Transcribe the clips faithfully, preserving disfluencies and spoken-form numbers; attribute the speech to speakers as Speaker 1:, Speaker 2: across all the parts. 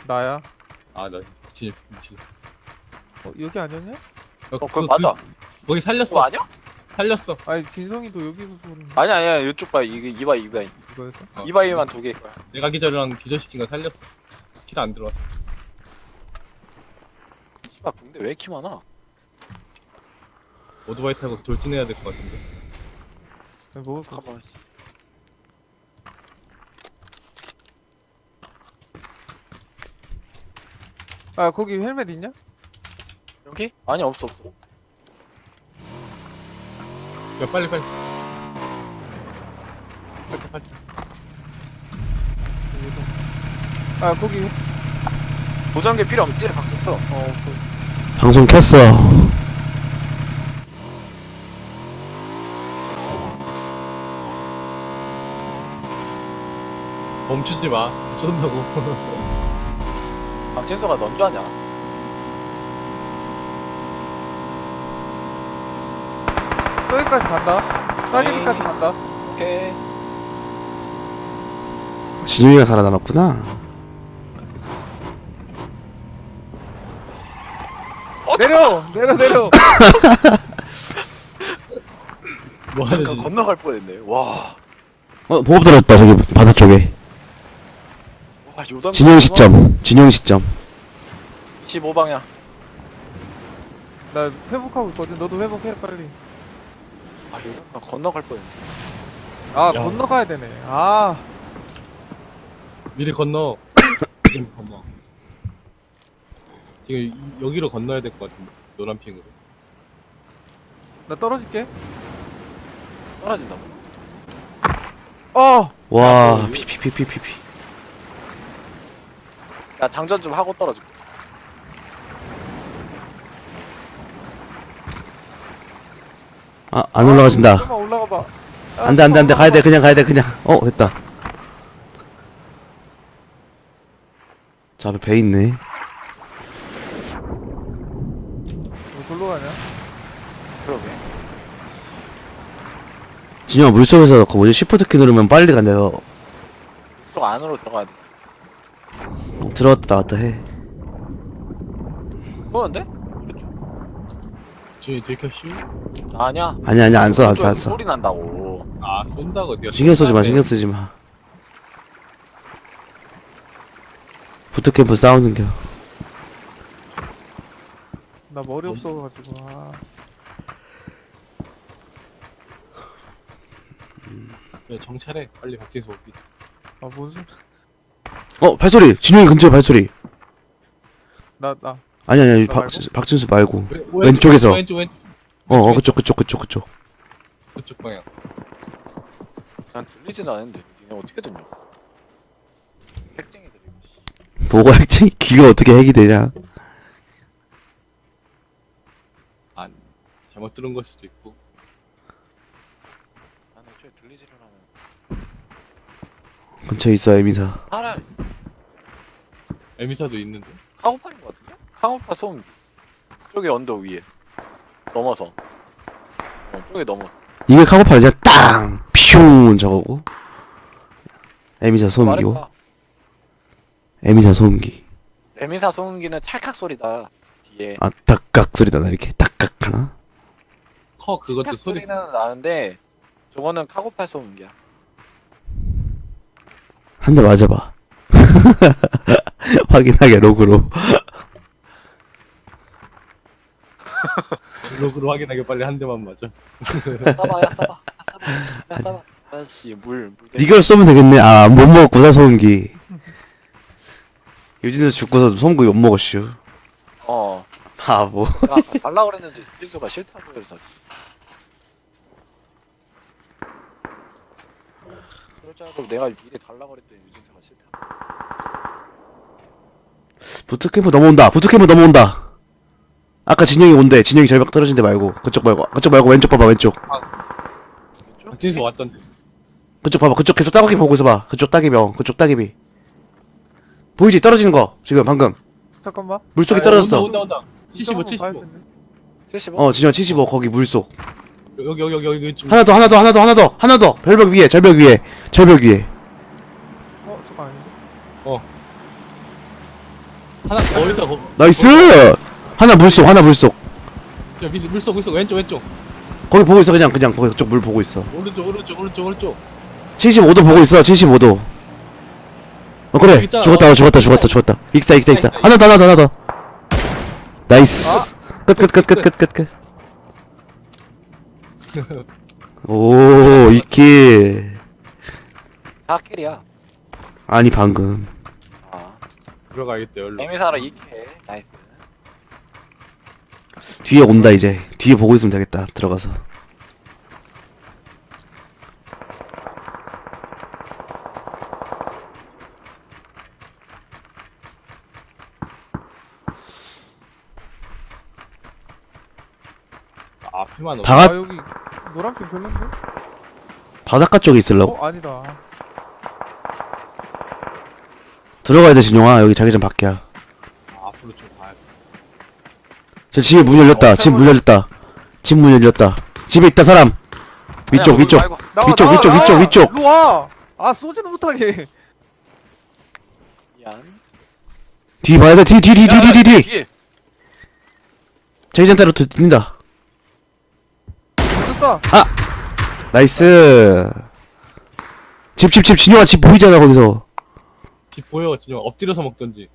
Speaker 1: 나야.
Speaker 2: 아, 나 미친 미친.
Speaker 1: 어, 여기 아니었냐?
Speaker 2: 어,
Speaker 3: 어, 그거 맞아.
Speaker 2: 그, 거기
Speaker 3: 그거
Speaker 2: 살렸어.
Speaker 3: 아니야?
Speaker 2: 살렸어.
Speaker 1: 아니 진성이도 여기서 쏘는
Speaker 3: 아니야, 아니야. 이쪽 봐. 이게 이바이, 이바이.
Speaker 1: 이거였어?
Speaker 2: 어.
Speaker 3: 이바이만 두 개일 거야.
Speaker 2: 내가 기절이랑 기절시킨 거 살렸어. 킬 안 들어왔어.
Speaker 3: 씨발, 붕대 왜 이렇게 많아?
Speaker 2: 오토바이 타고 돌진해야 될 것 같은데.
Speaker 1: 네, 먹을 거.
Speaker 3: 잠깐만.
Speaker 1: 아 거기 헬멧 있냐?
Speaker 3: 여기? 아니, 없어, 없어.
Speaker 2: 야, 빨리 빨리. 빨리 빨리.
Speaker 1: 아 거기
Speaker 3: 보정기 필요 없지, 박수터.
Speaker 1: 어 없어.
Speaker 4: 방송 켰어.
Speaker 2: 멈추지 마. 쏜다고.
Speaker 3: 박진서가 넌 줄 아냐?
Speaker 1: 저기까지 간다. 따개비까지 간다.
Speaker 3: 오케이.
Speaker 4: 진용이가 살아남았구나.
Speaker 1: 내려 내려 내려.
Speaker 2: 뭐
Speaker 3: 나
Speaker 2: 하는지.
Speaker 3: 건너갈 뻔했네. 와.
Speaker 4: 어, 보급 들었다, 저기, 바다 쪽에.
Speaker 3: 와, 요단.
Speaker 4: 진용 시점. 진용 시점.
Speaker 3: 이십오 방향.
Speaker 1: 나 회복하고 있거든. 너도 회복해 빨리.
Speaker 3: 아, 요단 건너갈 뻔했네.
Speaker 1: 아
Speaker 2: 야.
Speaker 1: 건너가야 되네. 아
Speaker 2: 미리 건너. 지금 건너. 지금 이- 여기로 건너야 될 것 같은데. 노란 핑으로.
Speaker 1: 나 떨어질게.
Speaker 3: 떨어진다고.
Speaker 1: 어.
Speaker 4: 와,
Speaker 2: 뭐,
Speaker 4: 피피피피피피.
Speaker 3: 야, 장전 좀 하고 떨어질게.
Speaker 4: 아, 안 올라가진다.
Speaker 1: 좀만 올라가 봐. 아,
Speaker 4: 안 돼, 안 돼, 안 돼.
Speaker 1: 좀만
Speaker 4: 가야 돼,
Speaker 1: 올라가
Speaker 4: 그냥 가야 돼, 그냥. 어, 됐다. 저 앞에 배 있네.
Speaker 1: 봐. 왜 골로 가냐?
Speaker 3: 그러게.
Speaker 4: 진영아, 물속에서 그 뭐지, 시프트 키 누르면 빨리 간대서.
Speaker 3: 속 안으로 들어가야 돼.
Speaker 4: 어, 들어갔다 나갔다 해.
Speaker 3: 그거는데?
Speaker 2: 지금 들켰슈?
Speaker 3: 아니야.
Speaker 4: 아니, 아니, 안 써, 안 써, 안
Speaker 3: 오른쪽에서
Speaker 4: 써.
Speaker 3: 소리 난다고.
Speaker 2: 아, 쏜다고. 네가
Speaker 4: 신경 쓰지 마,
Speaker 2: 쏜다며.
Speaker 4: 신경 쓰지 마. 부트캠프 싸우는겨.
Speaker 1: 나 머리 없어가지고. 아.
Speaker 2: 야, 정찰해. 빨리 밖에서 오기.
Speaker 1: 아뭔 소리?
Speaker 4: 어, 발소리! 진용이 근처에 발소리!
Speaker 1: 나 나.
Speaker 4: 아니, 아니, 아니,
Speaker 1: 나
Speaker 4: 박,
Speaker 1: 말고?
Speaker 4: 박진수 말고.
Speaker 2: 왼-
Speaker 4: 왼쪽에서.
Speaker 2: 왼쪽 왼쪽
Speaker 4: 어, 어, 그쪽, 그쪽, 그쪽, 그쪽.
Speaker 2: 그쪽 방향.
Speaker 3: 난 들리진 않은데. 니네 어떻게 듣냐? 핵쟁이들 이거. 씨.
Speaker 4: 뭐가 핵쟁이, 귀가 어떻게 핵이 되냐.
Speaker 2: 아, 잘못 들은 걸 수도 있고.
Speaker 3: 나는 애초에 들리지를 않아.
Speaker 4: 근처에 있어, 에미사.
Speaker 3: 사람
Speaker 2: 에미사도 있는데.
Speaker 3: 카고팔인 것 같은데? 카고파 소음. 저기 언덕 위에. 넘어서. 어, 저기 넘어.
Speaker 4: 이게 카고팔 이제 땅! 피숑! 저거고. 에미사 소음기고.
Speaker 3: 말해봐.
Speaker 4: 에미사 소음기.
Speaker 3: 에미사 소음기는 찰칵 소리다. 뒤에.
Speaker 4: 아, 딱깍 소리다, 나 이렇게. 딱깍 하나?
Speaker 2: 커 그것도
Speaker 3: 찰칵
Speaker 2: 소리.
Speaker 3: 소리는 나는데 저거는 카고팔 소음기야.
Speaker 4: 한 대 맞아봐. 확인하게, 로그로.
Speaker 2: 로그로 확인하게 빨리 한 대만 맞아.
Speaker 3: 싸봐, 야 싸봐, 야 싸봐, 야 싸봐. 아씨 물. 물
Speaker 4: 니걸 쏘면 되겠네. 아, 못 먹었구나, 소음기. 유진에서 죽고서 소음기 못 먹었슈.
Speaker 3: 어.
Speaker 4: 바보.
Speaker 3: 야 달라 그랬는데 유진수가 싫다고 그래서. 그럴 줄 알고 내가 미리 달라 그랬더니 유진수가 싫다.
Speaker 4: 부트캠프 넘어온다. 부트캠프 넘어온다. 아까 진영이 온대. 진영이 절벽 떨어진 데 말고. 그쪽 말고. 그쪽 말고 왼쪽 봐봐, 왼쪽.
Speaker 2: 박진수 왔던데.
Speaker 4: 그쪽 봐봐. 그쪽 계속 따개비 보고 있어봐. 그쪽 따개비. 어, 그쪽 따개비. 보이지? 떨어지는 거. 지금 방금.
Speaker 1: 잠깐만.
Speaker 4: 물속에
Speaker 1: 아,
Speaker 4: 떨어졌어.
Speaker 2: 온다 온다 온다. 칠십오
Speaker 1: 이쪽 한번 봐야
Speaker 2: 칠십오.
Speaker 1: 되는데.
Speaker 3: 칠십오?
Speaker 4: 어, 진영 칠십오. 거기 물속.
Speaker 2: 여기 여기 여기 여기 좀.
Speaker 4: 하나 더, 하나 더, 하나 더, 하나 더, 하나 더. 절벽 위에, 절벽 위에, 절벽 위에.
Speaker 1: 어 잠깐 아닌데.
Speaker 2: 어. 하나 더 있다. 거.
Speaker 4: 나이스! 하나 물속, 하나 물속.
Speaker 2: 야, 물- 물속 물속 왼쪽 왼쪽.
Speaker 4: 거기 보고 있어, 그냥, 그냥, 거기 쪽 물 보고 있어.
Speaker 2: 오른쪽 오른쪽 오른쪽 오른쪽.
Speaker 4: 칠십오 도 보고 있어, 칠십오 도. 어, 그래.
Speaker 2: 여기 있잖아.
Speaker 4: 죽었다,
Speaker 2: 어,
Speaker 4: 죽었다,
Speaker 2: 있다.
Speaker 4: 죽었다, 죽었다. 익사, 익사, 익사.
Speaker 2: 있다,
Speaker 4: 하나 더, 하나 더, 하나 더. 나이스. 끝, 끝, 끝, 끝, 끝, 끝, 끝. 오, 이 킬.
Speaker 3: 사 킬이야.
Speaker 4: 아니, 방금.
Speaker 3: 아.
Speaker 2: 들어가야겠다 열로.
Speaker 3: 에미사라 이 킬. 나이스.
Speaker 4: 뒤에 온다, 이제. 뒤에 보고 있으면 되겠다, 들어가서.
Speaker 2: 아, 앞에만.
Speaker 4: 방
Speaker 1: 아
Speaker 4: 앞,
Speaker 1: 여기 노란핑 별론데?
Speaker 4: 바닷가 쪽에 있으려고.
Speaker 1: 어 아니다.
Speaker 4: 들어가야 돼, 진용아. 여기 자기장 밖이야.
Speaker 2: 아, 앞으로 좀 가야 돼.
Speaker 4: 저 집에 문 열렸다. 집 문 열렸다. 집 문 열렸다. 집에 있다, 사람. 위쪽,
Speaker 3: 아니야,
Speaker 4: 위쪽.
Speaker 3: 말고.
Speaker 1: 나와,
Speaker 4: 위쪽,
Speaker 1: 나와,
Speaker 4: 위쪽,
Speaker 1: 나와!
Speaker 4: 위쪽, 위쪽.
Speaker 1: 일로 와. 아 쏘지도 못하게.
Speaker 3: 미안.
Speaker 4: 뒤 봐야 돼. 뒤, 뒤, 뒤, 뒤, 뒤, 뒤, 뒤.
Speaker 3: 뒤에.
Speaker 4: 자기장 따로 뛴다.
Speaker 1: 먼저 쏴.
Speaker 4: 나이스. 집, 집, 집. 진용아, 집 보이잖아, 거기서.
Speaker 2: 집 보여 진영. 엎드려서 먹던지.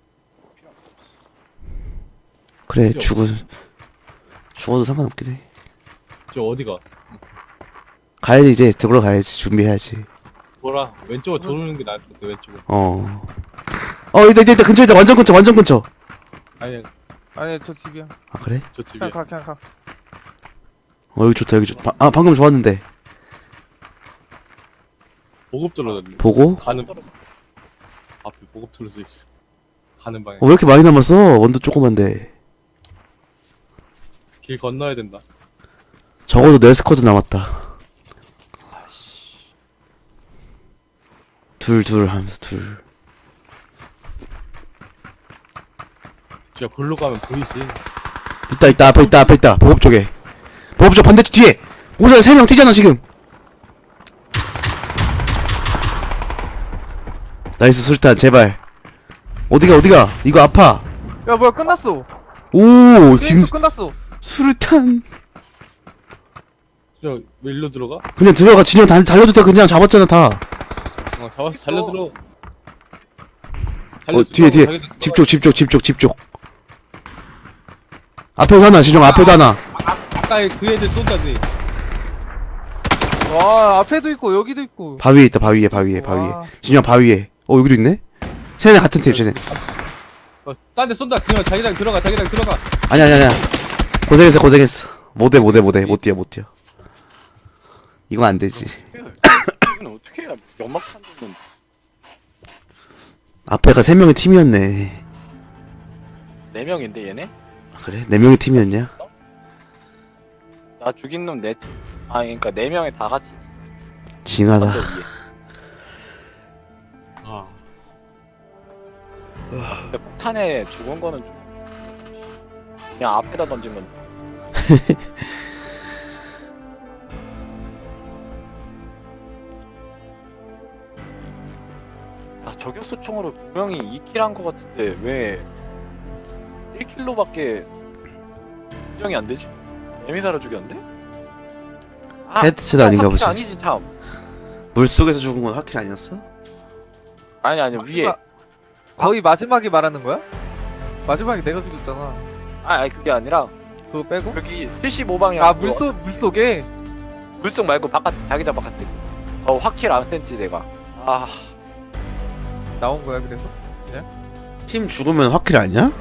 Speaker 4: 그래,
Speaker 2: 필요
Speaker 4: 죽어. 죽어도 상관없긴 해.
Speaker 2: 저 어디가?
Speaker 4: 가야지, 이제. 들어러 가야지. 준비해야지.
Speaker 2: 돌아. 왼쪽으로 도는 게 나을 것 같아. 왼쪽으로.
Speaker 4: 어. 어, 이따, 이따, 이따, 근처에 있다. 완전 근처, 완전 근처.
Speaker 2: 아니
Speaker 1: 아니 저 집이야.
Speaker 4: 아, 그래?
Speaker 2: 저 집이야.
Speaker 1: 그냥 가 그냥 가.
Speaker 4: 어, 여기 좋다, 여기 좋다. 아, 방금 좋았는데.
Speaker 2: 보급 떨어졌네.
Speaker 4: 보고?
Speaker 2: 가는 앞에 보급 떨어져 있어. 가는 방에.
Speaker 4: 어, 왜 이렇게 많이 남았어? 원도 조그만데.
Speaker 2: 길 건너야 된다.
Speaker 4: 적어도 네 스쿼드 남았다. 둘, 둘 하면서 둘.
Speaker 2: 진짜 글로 가면 보이지.
Speaker 4: 있다, 있다, 앞에 있다, 앞에 있다. 보급 쪽에. 보급 쪽 반대쪽 뒤에. 오전에 세 명 뛰잖아, 지금. 나이스, 술탄, 제발. 어디가, 어디가? 이거 아파.
Speaker 1: 야 뭐야 끝났어.
Speaker 4: 오,
Speaker 1: 게임
Speaker 4: 김,
Speaker 1: 또 끝났어.
Speaker 4: 술탄.
Speaker 2: 저 왜 일로 들어가?
Speaker 4: 그냥 들어가. 진영 달, 달려도 돼. 그냥 잡았잖아, 다.
Speaker 2: 어, 잡아 달려 들어.
Speaker 4: 어, 뒤에, 뒤에. 집 쪽, 집 쪽, 집 쪽, 집 쪽. 앞에도 하나, 진영, 앞에도 하나.
Speaker 2: 아까 그 애들 쏜다지.
Speaker 1: 와 앞에도 있고 여기도 있고.
Speaker 4: 바위에 있다, 바위에, 바위에, 바위에.
Speaker 1: 와.
Speaker 4: 진영, 바위에. 어, 여기도 있네? 쟤네 같은 팀, 쟤네.
Speaker 2: 어, 딴데 쏜다. 그냥 자기장 들어가. 자기장 들어가.
Speaker 4: 아니야, 아니야, 아니야. 고생했어, 고생했어. 못해, 못해, 못해. 못 뛰어, 못 뛰어. 이건 안 되지.
Speaker 3: 이건 어떻게 해야 연막 판정은
Speaker 4: 앞에가 세 명의 팀이었네.
Speaker 3: 네 명인데 얘네?
Speaker 4: 아, 그래? 네 명의 팀이었냐?
Speaker 3: 나 죽인 놈 네. 아 그러니까 네 명이 다 같이
Speaker 4: 징하다.
Speaker 3: 언덕 위에.
Speaker 2: 아,
Speaker 3: 근데 폭탄에 죽은 거는 좀 그냥 앞에다 던진 건. 아 저격수 총으로 분명히 이 킬 한 거 같은데 왜 일 킬로밖에 인정이 안 되지? 에미사로 죽였는데? 아,
Speaker 4: 헤드셋 아닌가
Speaker 3: 확킬
Speaker 4: 보지.
Speaker 3: 아니지 참.
Speaker 4: 물속에서 죽은 건 하킬 아니었어?
Speaker 3: 아니 아니 위에.
Speaker 1: 마지막- 거의 마지막에 말하는 거야? 마지막에 내가 죽였잖아.
Speaker 3: 아 아니 그게 아니라
Speaker 1: 그거 빼고?
Speaker 3: 여기 칠십오 방향.
Speaker 1: 아 물속 물속에.
Speaker 3: 물속 말고 바깥 자기장 바깥에. 어 확킬 안 했지 내가. 아
Speaker 1: 나온 거야 그래서?
Speaker 4: 팀 죽으면 하킬 아니야?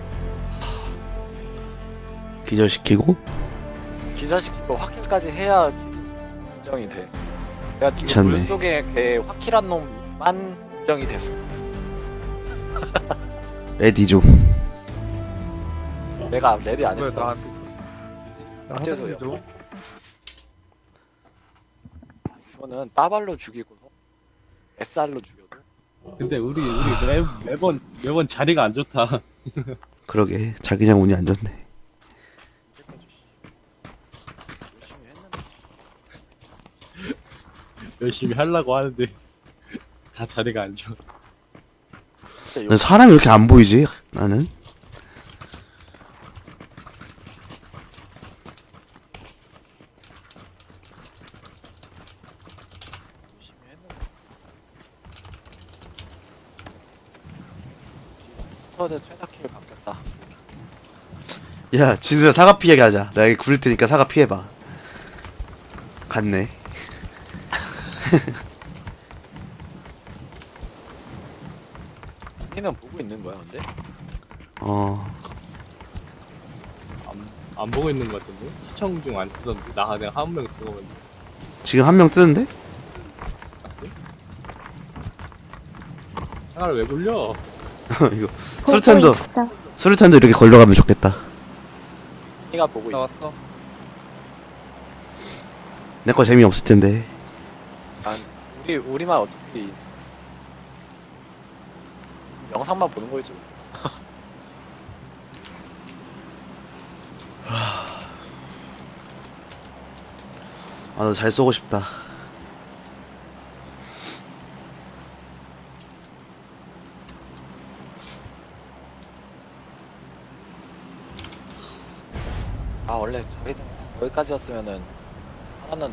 Speaker 4: 기절시키고?
Speaker 3: 기절시키고 확킬까지 해야 인정이 돼. 내가 지금
Speaker 4: 미쳤네.
Speaker 3: 물속에 걔 확킬한 놈만 인정이 됐어.
Speaker 4: 레디 좀.
Speaker 3: 내가 레디 안
Speaker 1: 뭐야
Speaker 3: 했어.
Speaker 1: 나한테 있어. 나
Speaker 3: 어째서요?
Speaker 1: 화장실 좀.
Speaker 3: 이거는 따발로 죽이고 에스알로 죽여도
Speaker 2: 근데 우리 우리 매, 매번 매번 자리가 안 좋다.
Speaker 4: 그러게. 자기장 운이 안 좋네.
Speaker 3: 이제까지 열심히 했는데.
Speaker 2: 열심히 하려고 하는데 다 자리가 안 좋아.
Speaker 3: 진짜
Speaker 4: 난 사람이 왜 이렇게 안 보이지? 나는
Speaker 3: 열심히 했는데. 스쿼드 최다킬 바뀌었다.
Speaker 4: 야 진수야 사과 피하게 하자. 나 여기 구릴 테니까 사과 피해봐. 갔네.
Speaker 3: 니는 보고 있는 거야 근데?
Speaker 4: 어
Speaker 2: 안, 안 보고 있는 것 같은데? 시청 중 안 뜨던데? 나 그냥 한 명 들어갔는데.
Speaker 4: 지금 한 명 뜨는데?
Speaker 2: 하나를 왜 굴려?
Speaker 4: 이거
Speaker 5: 보고
Speaker 4: 수류탄도
Speaker 5: 있어.
Speaker 4: 수류탄도 이렇게 걸러가면 좋겠다.
Speaker 3: 니가 보고 있어.
Speaker 1: 나왔어.
Speaker 4: 내 거 재미없을 텐데.
Speaker 3: 난 우리 우리만 어차피 영상만 보는 거지.
Speaker 4: 아 나 잘 쏘고 싶다.
Speaker 3: 아 원래 저기 여기까지였으면은 하나는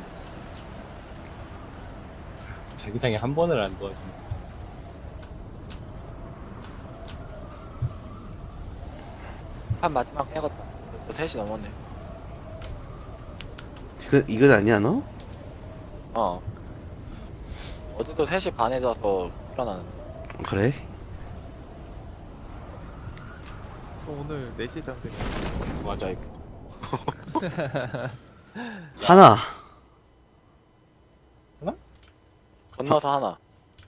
Speaker 2: 자기장이 한 번을 안 도와주네.
Speaker 3: 한 마지막 해갔다. 벌써 셋이 넘었네.
Speaker 4: 이거 이건 아니야 너?
Speaker 3: 어. 어제도 세 시 반에 자서 일어나는데.
Speaker 4: 그래?
Speaker 1: 저 오늘 네 시에 잠드네.
Speaker 3: 맞아 이거.
Speaker 4: 하나.
Speaker 3: 건너서 하나.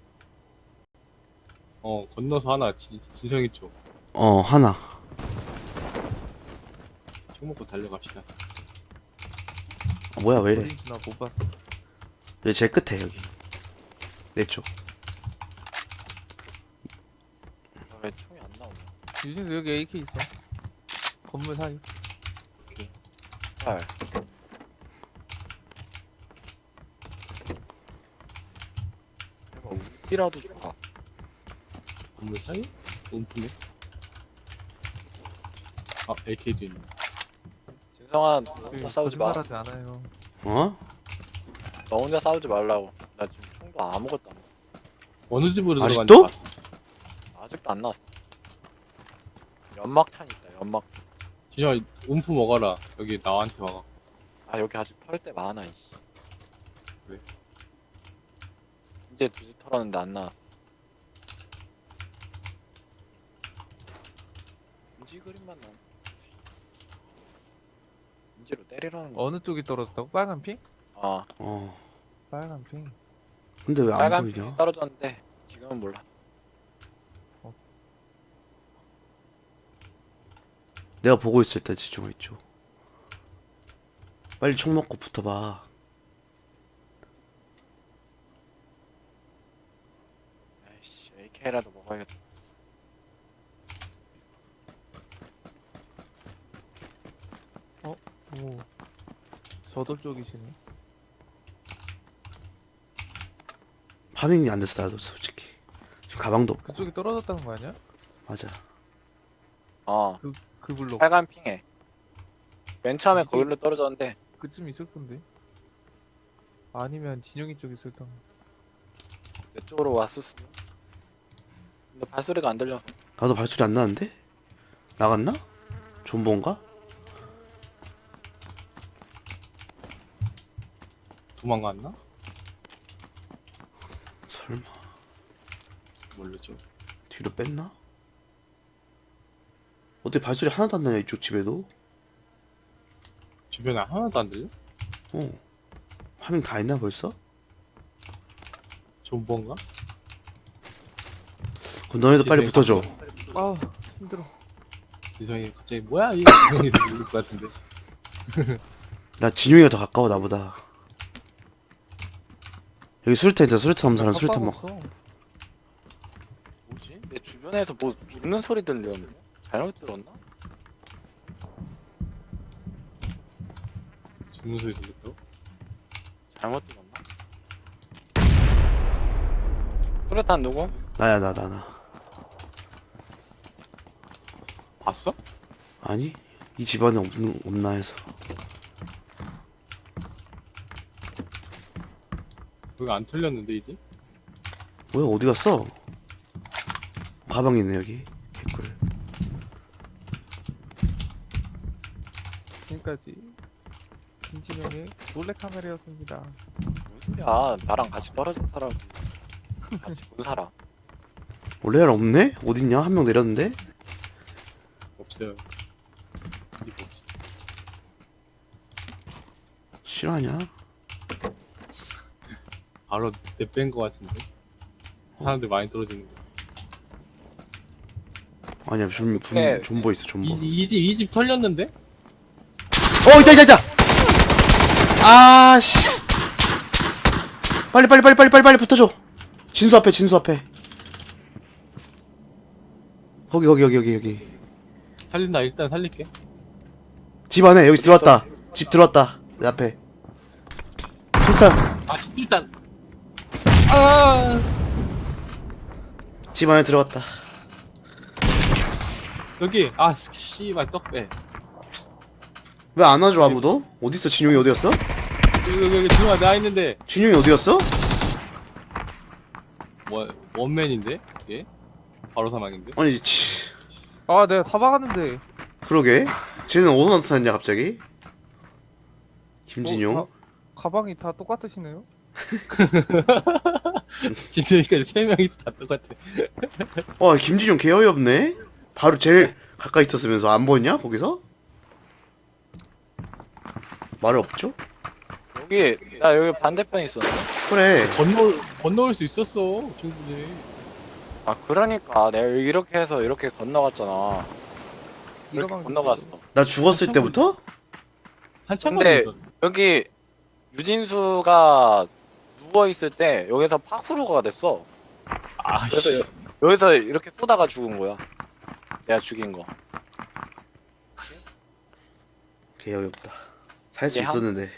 Speaker 2: 어, 건너서 하나, 진, 진성이 쪽.
Speaker 4: 어 하나.
Speaker 2: 총 먹고 달려갑시다.
Speaker 4: 아, 뭐야 왜 이래?
Speaker 1: 어딘지 나 못 봤어.
Speaker 4: 여기 제일 끝에 여기. 내 쪽.
Speaker 3: 아, 왜 총이 안 나오냐?
Speaker 1: 유진수 여기 에이케이 있어. 건물 사이.
Speaker 3: 헐. 내가 우지라도 좋아.
Speaker 2: 건물 사이? 움프네. 아, 엘케이도 있네.
Speaker 3: 진성아, 너
Speaker 1: 그
Speaker 3: 혼자 싸우지 마.
Speaker 1: 거짓말하지 않아요.
Speaker 4: 어?
Speaker 3: 너 혼자 싸우지 말라고. 나 지금 총도 아무것도 안 나왔어.
Speaker 2: 어느 집으로
Speaker 4: 아직도?
Speaker 2: 들어간지 봤어.
Speaker 3: 아직도 안 나왔어. 연막탄 있다. 연막.
Speaker 2: 진짜 움프 먹어라. 여기 나한테 와가.
Speaker 3: 아 여기 아직 털 때 많아. 이씨.
Speaker 2: 왜?
Speaker 3: 이제 두지 털었는데 안 나왔어. 인지 그림만 나온. 인지로 때리라는 거.
Speaker 1: 어느 쪽이 떨어졌다고? 빨간 핑?
Speaker 3: 아
Speaker 4: 어.
Speaker 1: 빨간 핑.
Speaker 4: 근데 왜 안
Speaker 3: 빨간
Speaker 4: 보이냐?
Speaker 3: 핑이 떨어졌는데 지금은 몰라.
Speaker 4: 내가 보고 있을 때 집중해 있죠. 빨리 총 먹고 붙어봐.
Speaker 3: 아이씨 에이케이라도 먹어야겠다.
Speaker 1: 오. 저돌 쪽이시네.
Speaker 4: 파밍이 안 됐어 나도 솔직히. 지금 가방도 없고.
Speaker 1: 그쪽이 떨어졌다는 거 아니야?
Speaker 4: 맞아.
Speaker 3: 어
Speaker 1: 그 블록.
Speaker 3: 빨간 핑에. 맨 처음에
Speaker 1: 이게-
Speaker 3: 거기로 떨어졌는데
Speaker 1: 그쯤 있을 건데. 아니면 진영이 쪽 있을 텐데.
Speaker 3: 내 쪽으로 왔을 수도. 근데 발소리가 안 들려서.
Speaker 4: 나도 발소리 안 나는데? 나갔나? 존버인가?
Speaker 2: 도망갔나?
Speaker 4: 설마
Speaker 2: 모르죠.
Speaker 4: 뒤로 뺐나? 어떻게 발소리 하나도 안 나냐 이쪽 집에도?
Speaker 2: 주변에 하나도 안 들려?
Speaker 4: 어. 파밍 다 했나 벌써?
Speaker 2: 존버인가?
Speaker 4: 그럼 너네도 빨리 붙어줘.
Speaker 1: 아 힘들어.
Speaker 2: 진성이 갑자기 뭐야 이 진성이 들릴 것 같은데.
Speaker 4: 나 진용이가 더 가까워 나보다. 여기 수류탄 있다. 수류탄 없는 사람 수류탄 먹어.
Speaker 1: 깜빡 없어.
Speaker 3: 뭐지? 내 주변에서 뭐 죽는 소리 들렸는데? 잘못 들었나?
Speaker 2: 죽는 소리 들렸다고?
Speaker 3: 잘못 들었나? 수류탄 누구?
Speaker 4: 나야 나 나 나.
Speaker 2: 봤어?
Speaker 4: 아니 이 집안에 없는 없나 해서.
Speaker 2: 여기 안 털렸는데 이제?
Speaker 4: 뭐야 어디 갔어? 가방 있네 여기. 개꿀.
Speaker 1: 지금까지 김진영의 몰래카메라였습니다.
Speaker 3: 무슨 소리야? 나랑 같이 떨어진 사람, 같이 본 사람.
Speaker 4: 원래 없네? 어딨냐? 한 명 내렸는데?
Speaker 2: 없어요. 이거 없어.
Speaker 4: 실화냐?
Speaker 2: 바로 내뺀 거 같은데. 사람들 많이 떨어지는 거.
Speaker 4: 아니야 좀 분,
Speaker 3: 네.
Speaker 4: 존버 있어 존버.
Speaker 2: 이집 이 집 털렸는데?
Speaker 4: 어 있다 있다 있다. 아씨. 빨리 빨리 빨리 빨리 빨리 빨리 붙어줘. 진수 앞에 진수 앞에. 거기 거기 여기 여기 여기.
Speaker 2: 살린다. 일단 살릴게.
Speaker 4: 집 안에 여기 들어왔다. 집 들어왔다. 내 앞에. 일단
Speaker 2: 아 일단. 아
Speaker 4: 집 안에 들어왔다.
Speaker 2: 여기 아 씨발 떡배.
Speaker 4: 왜 안 와줘 아무도? 어딨어 진용이 어디였어?
Speaker 2: 여기 여기 여기 들어와 나 있는데
Speaker 4: 진용이 어디였어?
Speaker 2: 뭐 원맨인데? 예? 바로 사망인데?
Speaker 4: 아니 치.
Speaker 1: 아 내가 다 박았는데.
Speaker 4: 그러게. 쟤는 어디서 나타났냐 갑자기? 김진용.
Speaker 1: 어, 가, 가방이 다 똑같으시네요.
Speaker 2: 진짜니까 세 명이서 다 똑같아.
Speaker 4: 와 김진용 개 어이없네. 바로 제일 가까이 있었으면서 안 보였냐 거기서? 말 없죠?
Speaker 3: 여기, 나 여기 반대편에 있었네.
Speaker 4: 그래.
Speaker 2: 건널 건너올 수 있었어 충분히.
Speaker 3: 아, 그러니까 내가 이렇게 해서 이렇게 건너갔잖아. 이렇게
Speaker 1: 가방
Speaker 3: 건너갔어.
Speaker 4: 나 죽었을 때부터?
Speaker 2: 한참
Speaker 3: 근데-
Speaker 2: 걸렸어.
Speaker 3: 여기 유진수가 누워 있을 때 여기서 파쿠르가 됐어.
Speaker 2: 아
Speaker 3: 그래서
Speaker 2: 씨.
Speaker 3: 여- 여기서 이렇게 쏘다가 죽은 거야. 내가 죽인 거.
Speaker 4: 개 어이없다. 살 수
Speaker 3: 이게 한-
Speaker 4: 있었는데.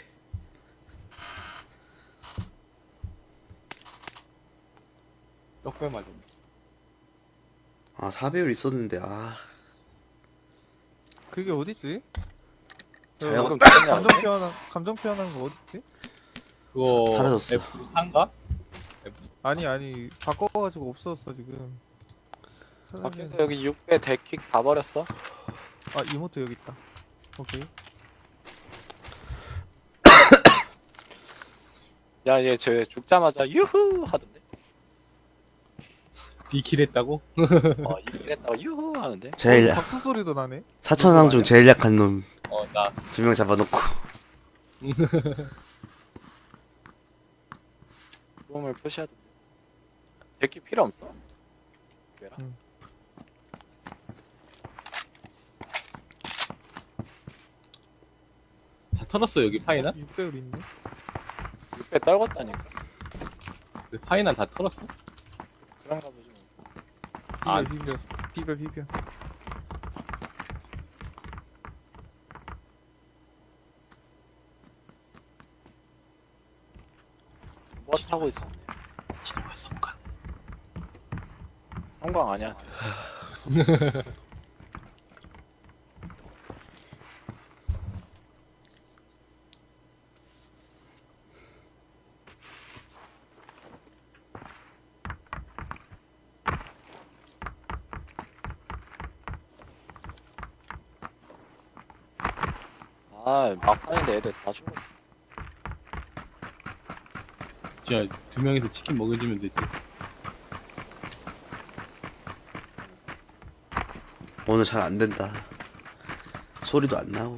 Speaker 2: 떡배 맞아.
Speaker 4: 아 사 배율 있었는데 아.
Speaker 1: 그게 어디지?
Speaker 4: 자영-
Speaker 3: 방금 죽었냐,
Speaker 1: 감정
Speaker 3: 근데?
Speaker 1: 표현한 감정 표현한 거 어디지?
Speaker 2: 그거
Speaker 4: 사라졌어.
Speaker 2: 에프 사인가?
Speaker 1: 아니 아니 바꿔가지고 없어졌어 지금.
Speaker 3: 아, 그래서 여기 육 배 데킥 다 버렸어.
Speaker 1: 아 이모트 여기 있다. 오케이.
Speaker 3: 야, 얘 저 죽자마자 유후 하던데.
Speaker 2: 디킬 했다고?
Speaker 3: 어, 이랬다가 유후 하는데.
Speaker 4: 제일
Speaker 1: 어, 박수 소리도 나네.
Speaker 4: 사천왕 중 제일 약한 놈 두 명
Speaker 2: 어나
Speaker 4: 잡아놓고.
Speaker 3: 몸을 표시해야 돼. 데킥 필요 없어. 왜라?
Speaker 1: 응.
Speaker 2: 다 털었어 여기 파이나?
Speaker 1: 육 배율 있네.
Speaker 3: 육 배 떨궜다니까.
Speaker 2: 그 파이나 다 털었어?
Speaker 3: 그런가 보지 뭐.
Speaker 1: 비벼
Speaker 2: 아.
Speaker 1: 비벼 비벼 비벼.
Speaker 3: 뭐 타고 있어?
Speaker 2: 진영아 성강.
Speaker 3: 형광 아니야. 아, 막판인데 애들 다 죽어.
Speaker 2: 진짜 두 명이서 치킨 먹어주면 되지.
Speaker 4: 오늘 잘 안 된다. 소리도 안 나고.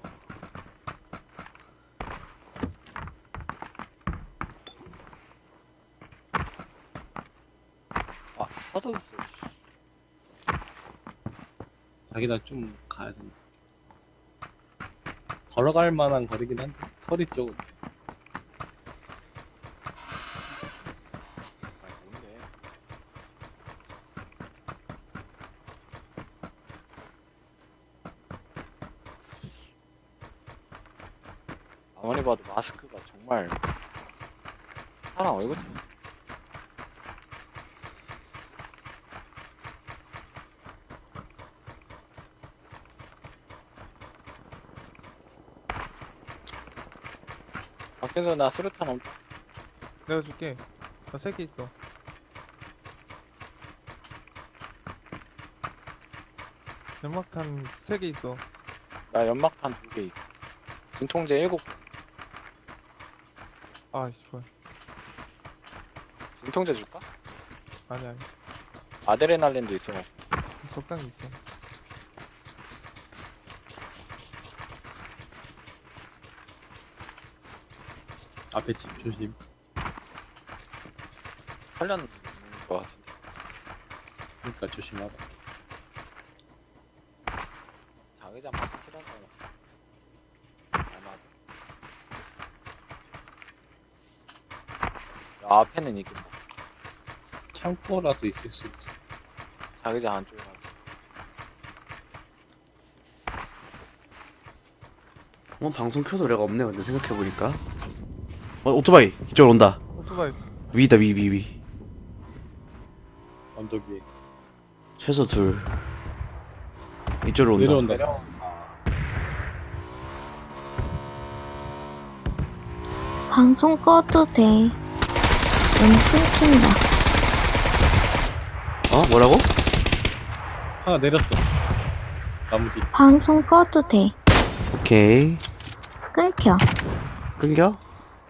Speaker 3: 아, 사도 없어.
Speaker 2: 자기나 좀 가야 된다. 걸어갈 만한 거리긴 한데 서리 쪽은.
Speaker 3: 아니, 뭔데? 아무리 봐도 마스크가 정말 사람 얼굴 밖에서 나 수류탄 없.
Speaker 1: 내가 줄게. 나 세 개 있어. 연막탄 세 개 있어.
Speaker 3: 나 연막탄 두 개 있어. 진통제 일곱.
Speaker 1: 아 씨발.
Speaker 3: 진통제 줄까?
Speaker 1: 아니 아니.
Speaker 3: 아드레날린도 있어.
Speaker 1: 적당히 있어.
Speaker 2: 앞에 집 조심.
Speaker 3: 살렸는 거 같은데.
Speaker 2: 그러니까 조심하라.
Speaker 3: 자기장 파티라서 아마. 야, 앞에는 있겠다.
Speaker 2: 창고라서 있을 수 있어.
Speaker 3: 자기장 안쪽에.
Speaker 4: 어 방송 켜도 노래가 없네 근데 생각해보니까. 어 오토바이 이쪽으로 온다.
Speaker 1: 오토바이.
Speaker 4: 위다 위 위 위.
Speaker 2: 언덕 위에.
Speaker 4: 최소 둘. 이쪽으로 온다.
Speaker 2: 내려온다.
Speaker 3: 내려.
Speaker 5: 방송 꺼도 돼. 너무 끊긴다.
Speaker 4: 어 뭐라고?
Speaker 2: 하나 내렸어. 나무지.
Speaker 5: 방송 꺼도 돼.
Speaker 4: 오케이.
Speaker 5: 끊겨.
Speaker 4: 끊겨?